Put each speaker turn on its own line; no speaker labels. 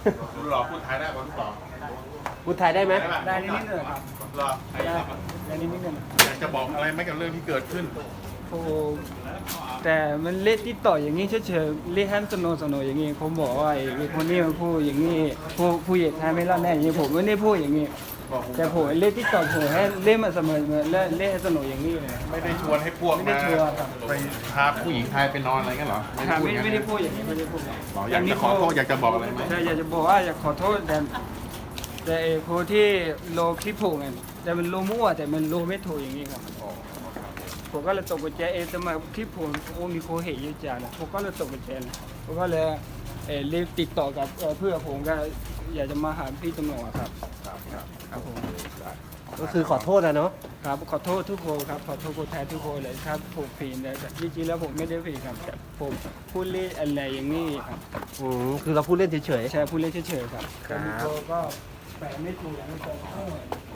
หล่อพูดไทยได้ป่ะลูกหล่อ
พูดไทยได้ไหม
ได้นิดๆหน่อยครับ
หล่อ
ได้นิดๆหน่อย
อยากจะบอกอะไรไหมกับเรื่องที่เกิดขึ้น
โอ้แต่มันเล่นที่ต่ออย่างนี้เฉยๆเล่นให้มันสนุกอย่างนี้ผมบอกว่าไอ้คนนี้มันพูดอย่างนี้ผู้ใหญ่ไทยไม่รอดแน่อย่างนี้ผมไม่ได้พูดอย่างนี้ แต่ผมเล่นที่ต่อผมให้เล่นมาเสมอและเล่นให้สนุกอย่างนี้เลย
ไม่ได้ชวนให้พวก
ไม่ได้ชวนครับ
ไปพาผู้หญิงไทยไปนอนอะไรกันเหรอ
ครับ
อย่างนั้น
ไม่ได้พูดอย่างนี้ไม่ได้พูด
หรออยากจะขอโทษอยากจะบอกอะไรไหม
ใช่อยากจะบอกว่าอยากขอโทษแต่ไอ้คนที่โลคลิปผมเนี่ยแต่มันโลมั่วแต่มันโลไม่ถูกอย่างนี้ครับผมก็เลยตกใจแต่มาคลิปผมโอ้มีคนเห็นเยอะจังนะผมก็เลยตกใจนะผมก็เลยรีบติดต่อกับเพื่อนผมก็อยากจะมาหาพี่ตำรวจครับครับผม
ก็คือขอโทษนะเนาะ
ครับขอโทษทุกคนครับขอโทษคนไทยทุกคนเลยครับผมผิดนะแต่จริงๆแล้วผมไม่ได้ผิดครับแต่ผมพูดเล่นอะไรอย่างนี้ครับ
คือเราพูดเล่นเฉย
ใช่พูดเล่นเฉยๆครับ
ครับ
แต่มีคนก็แปลไม่ถูกอย่างนี้ก็